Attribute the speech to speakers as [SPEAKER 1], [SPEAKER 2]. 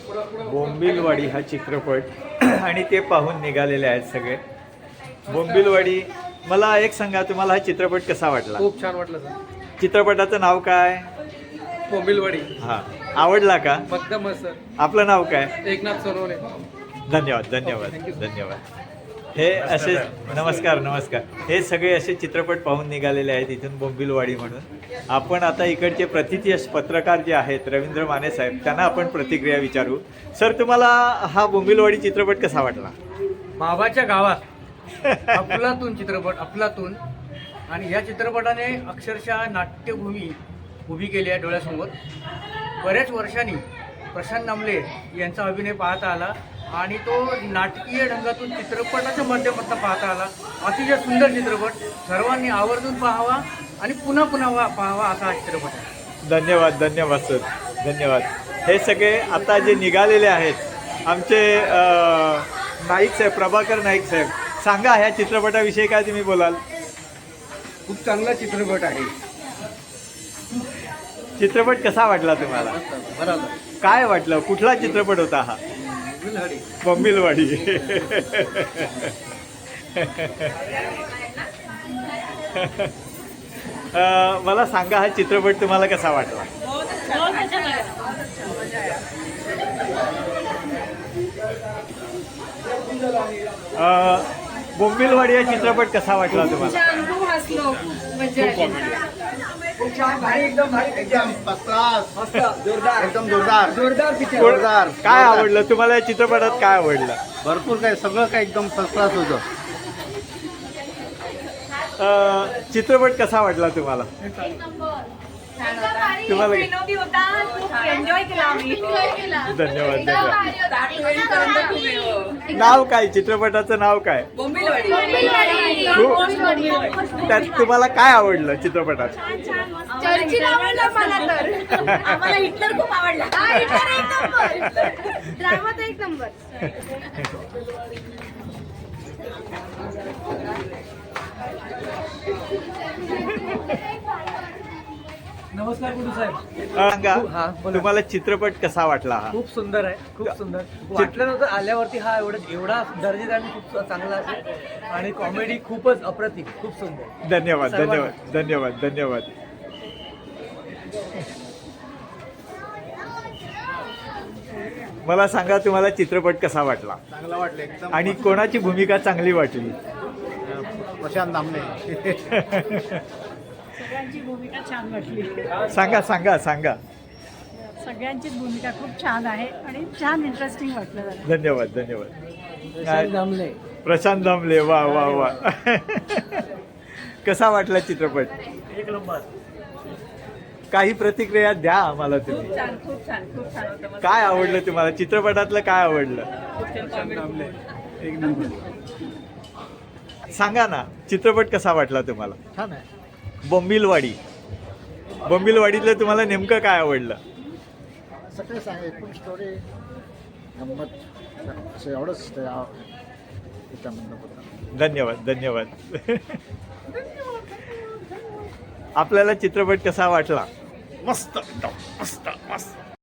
[SPEAKER 1] बोंबिलवाडी हा चित्रपट आणि ते पाहून निघालेले आहेत सगळे. बोंबिलवाडी, मला एक सांगा, तुम्हाला हा चित्रपट कसा वाटला?
[SPEAKER 2] खूप छान वाटलं सर.
[SPEAKER 1] चित्रपटाचं नाव काय?
[SPEAKER 2] बोंबिलवाडी.
[SPEAKER 1] हा, आवडला का?
[SPEAKER 2] एकदम सर.
[SPEAKER 1] आपलं नाव काय?
[SPEAKER 2] एकनाथ सोनवणे.
[SPEAKER 1] धन्यवाद धन्यवाद धन्यवाद. हे असे नमस्कार नमस्कार. हे सगळे असे चित्रपट पाहून निघालेले आहेत इथून बोंबिलवाडी म्हणून. आपण आता इकडचे प्रतिथी पत्रकार जे आहेत रवींद्र माने साहेब, त्यांना आपण प्रतिक्रिया विचारू. सर, तुम्हाला हा बोंबिलवाडी चित्रपट कसा वाटला?
[SPEAKER 2] बाबाच्या गावात अफलातून चित्रपट, अफलातून. आणि या चित्रपटाने अक्षरशः नाट्यभूमी उभी केली आहे डोळ्यासमोर. बऱ्याच वर्षांनी प्रशांत दामले यांचा अभिनय पाहता आला आणि तो नाटकीय ढंगातून चित्रपटाच्या माध्यमातून पाहता आला. अतिशय सुंदर चित्रपट, सर्वांनी आवर्जून पाहावा आणि पुन्हा पुन्हा पाहावा असा हा चित्रपट आहे.
[SPEAKER 1] धन्यवाद धन्यवाद सर, धन्यवाद. हे सगळे आता जे निघालेले आहेत आमचे नाईक साहेब, प्रभाकर नाईक साहेब, सांगा ह्या चित्रपटाविषयी काय तुम्ही बोलाल?
[SPEAKER 2] खूप चांगला चित्रपट आहे.
[SPEAKER 1] चित्रपट कसा वाटला तुम्हाला?
[SPEAKER 2] बरोबर.
[SPEAKER 1] काय वाटलं? कुठला चित्रपट होता हा? बोंबिलवाडी. मला सांगा हा चित्रपट तुम्हाला कसा वाटला? बोंबिलवाडी हा चित्रपट कसा वाटला तुम्हाला?
[SPEAKER 2] जोरदार.
[SPEAKER 1] काय आवडलं तुम्हाला या चित्रपटात? काय आवडलं?
[SPEAKER 2] भरपूर काय, सगळं काय एकदम फर्स्ट क्लास होतं.
[SPEAKER 1] चित्रपट कसा वाटला तुम्हाला? तुम्हाला
[SPEAKER 3] एन्जॉय केला आम्ही.
[SPEAKER 1] धन्यवाद धन्यवाद. नाव काय चित्रपटाचं? नाव काय? त्यात तुम्हाला काय आवडलं चित्रपटात?
[SPEAKER 3] चर्चिल आवडला मला तर. आम्हाला हिटलर खूप आवडला. ड्रामा तर एक नंबर.
[SPEAKER 2] नमस्कार गुरु साहेब.
[SPEAKER 1] सांगा,
[SPEAKER 2] हा, बोला.
[SPEAKER 1] तुम्हाला चित्रपट कसा वाटला हा?
[SPEAKER 2] खूप सुंदर आहे, खूप सुंदर. वाटलं नव्हतं आल्यावरती हा एवढा दर्जेदार आणि खूप चांगला असेल. आणि कॉमेडी खूपच अप्रतिम, खूप सुंदर.
[SPEAKER 1] धन्यवाद
[SPEAKER 2] सर्वांना.
[SPEAKER 1] धन्यवाद धन्यवाद धन्यवाद. मला सांगा, तुम्हाला चित्रपट कसा वाटला?
[SPEAKER 2] चांगला वाटलं एकदम.
[SPEAKER 1] आणि कोणाची भूमिका चांगली वाटली?
[SPEAKER 2] प्रशांत दामले.
[SPEAKER 4] सगळ्यांची भूमिका छान वाटली.
[SPEAKER 1] सांगा सांगा सांगा.
[SPEAKER 4] सगळ्यांचीच भूमिका खूप छान आहे आणि छान इंटरेस्टिंग वाटलं जरा.
[SPEAKER 1] धन्यवाद धन्यवाद.
[SPEAKER 2] प्रशांत दामले.
[SPEAKER 1] प्रशांत दामले, वा वा वा. कसा वाटला चित्रपट?
[SPEAKER 2] एक नंबर.
[SPEAKER 1] काही प्रतिक्रिया द्या आम्हाला तुम्ही.
[SPEAKER 4] खूप छान खूप छान खूप छान होतं.
[SPEAKER 1] काय आवडलं तुम्हाला चित्रपटातलं? काय आवडलं?
[SPEAKER 2] प्रशांत दामले एक नंबर.
[SPEAKER 1] सांगा ना, चित्रपट कसा वाटला तुम्हाला?
[SPEAKER 2] छान आहे.
[SPEAKER 1] बोंबिलवाडी. बोंबिलवाडीतलं तुम्हाला नेमकं काय आवडलं?
[SPEAKER 5] सगळे सांग एकूण स्टोरी गंमत असं एवढंच त्याच्यामधनं होतं.
[SPEAKER 1] धन्यवाद धन्यवाद. आपल्याला चित्रपट कसा वाटला?
[SPEAKER 5] मस्त एकदम मस्त.